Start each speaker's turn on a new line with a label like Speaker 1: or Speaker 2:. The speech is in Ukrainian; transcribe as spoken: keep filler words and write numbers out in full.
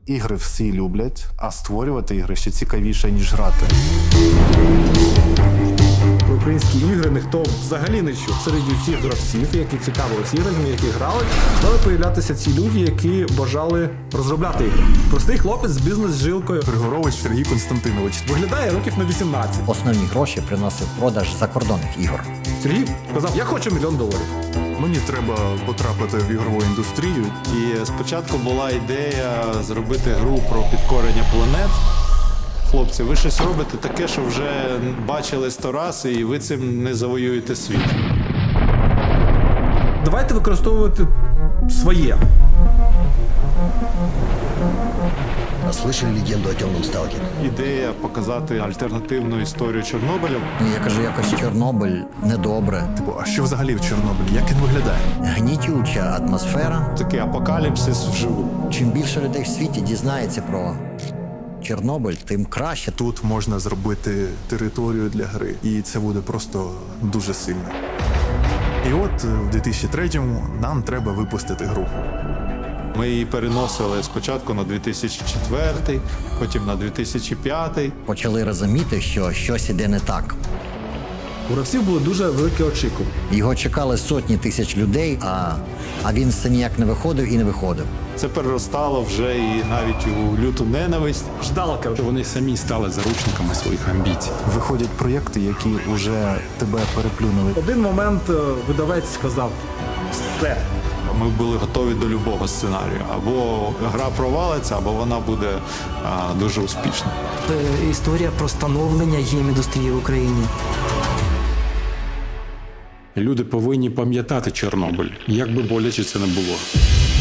Speaker 1: Ігри всі люблять, а створювати ігри ще цікавіше, ніж грати.
Speaker 2: Про українські ігри ніхто взагалі не чув. Серед усіх гравців, які цікавились іграми, які грали, стали появлятися ці люди, які бажали розробляти ігри. Простий хлопець з бізнес-жилкою
Speaker 1: Григорович Сергій Константинович.
Speaker 2: виглядає років на вісімнадцять.
Speaker 3: Основні гроші приносив продаж закордонних ігор.
Speaker 2: Сергій сказав, я хочу мільйон доларів.
Speaker 1: Мені треба потрапити в ігрову індустрію.
Speaker 4: І спочатку була ідея зробити гру про підкорення планет. Хлопці, ви щось робите таке, що вже бачили сто раз, і ви цим не завоюєте світ.
Speaker 2: Давайте використовувати своє.
Speaker 5: Слышали легенду о темном сталкере?
Speaker 4: Ідея показати альтернативну історію Чорнобиля.
Speaker 3: Ну, я кажу, якось Чорнобиль недобре.
Speaker 1: Типу, а що взагалі в Чорнобилі? Як він виглядає?
Speaker 3: Гнітюча атмосфера.
Speaker 4: Такий апокаліпсис вживу.
Speaker 3: Чим більше людей в світі дізнається про Чорнобиль, тим краще.
Speaker 1: Тут можна зробити територію для гри, і це буде просто дуже сильно. І от в дві тисячі третьому нам треба випустити гру.
Speaker 4: Ми її переносили спочатку на дві тисячі четвертий, потім на дві тисячі п'ятий.
Speaker 3: Почали розуміти, що щось іде не так.
Speaker 2: У гравців були дуже великі очікування.
Speaker 3: Його чекали сотні тисяч людей, а, а він все ніяк не виходив і не виходив.
Speaker 4: Це переростало вже і навіть у люту ненависть.
Speaker 2: Ждалка.
Speaker 6: Вони самі стали заручниками своїх амбіцій.
Speaker 1: Виходять проєкти, які вже тебе переплюнули.
Speaker 2: В один момент е, видавець сказав, все.
Speaker 4: Ми були готові до любого сценарію. Або гра провалиться, або вона буде а, дуже успішна.
Speaker 7: Е, Історія про становлення гейм-індустрії в Україні.
Speaker 6: Люди повинні пам'ятати Чорнобиль, як би боляче це не було.